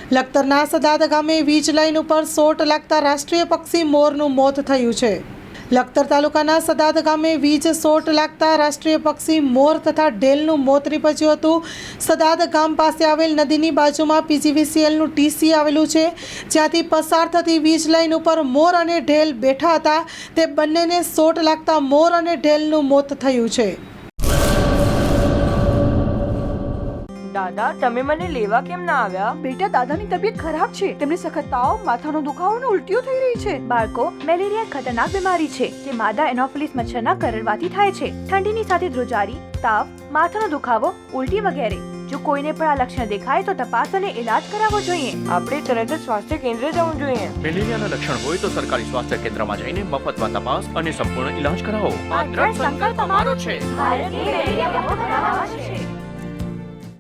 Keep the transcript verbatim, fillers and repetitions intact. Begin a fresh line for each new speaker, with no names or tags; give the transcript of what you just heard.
લખતરના સદાદ ગામે વીજ લાઇન ઉપર શોર્ટ લાગતા રાષ્ટ્રીય પક્ષી મોરનું મોત થયું છે। લખતર તાલુકાના સદાદ ગામે વીજ શોર્ટ લાગતા રાષ્ટ્રીય પક્ષી મોર તથા ઢેલનું મોત નીપજ્યું હતું। સદાદ ગામ પાસે આવેલ નદીની બાજુમાં પીજીવીસીએલનું ટીસી આવેલું છે, જ્યાંથી પસાર થતી વીજ લાઇન ઉપર મોર અને ઢેલ બેઠા હતા। તે બંનેને શોર્ટ લાગતા મોર અને ઢેલનું મોત થયું છે।
દાદા, તમે મને લેવા કેમ ના આવ્યા?
બેટા, દાદાની તબિયત ખરાબ છે। તેમને સખત તાવ, માથાનો દુખાવો અને ઉલટીઓ થઈ રહી છે।
બાળકો, મેલેરિયા એક ખતરનાક બીમારી છે જે માદા એનોફિલિસ મચ્છરના કરડવાથી થાય છે। ઠંડીની સાથે ધ્રુજારી, તાવ, માથાનો દુખાવો, ઉલટી વગેરે। જો કોઈને પણ આ લક્ષણ દેખાય તો તપાસ અને ઇલાજ કરાવવો જોઈએ।
આપણે તરત જ સ્વાસ્થ્ય કેન્દ્ર જવું જોઈએ।
મેલેરિયાના લક્ષણ હોય તો સરકારી સ્વાસ્થ્ય કેન્દ્રમાં જઈને મફતમાં તપાસ અને સંપૂર્ણ ઇલાજ કરાવો।
આ દ્રઢ સંકલ્પ અમારો છે। ભારતને મેલેરિયા મુક્ત બનાવવાનો છે।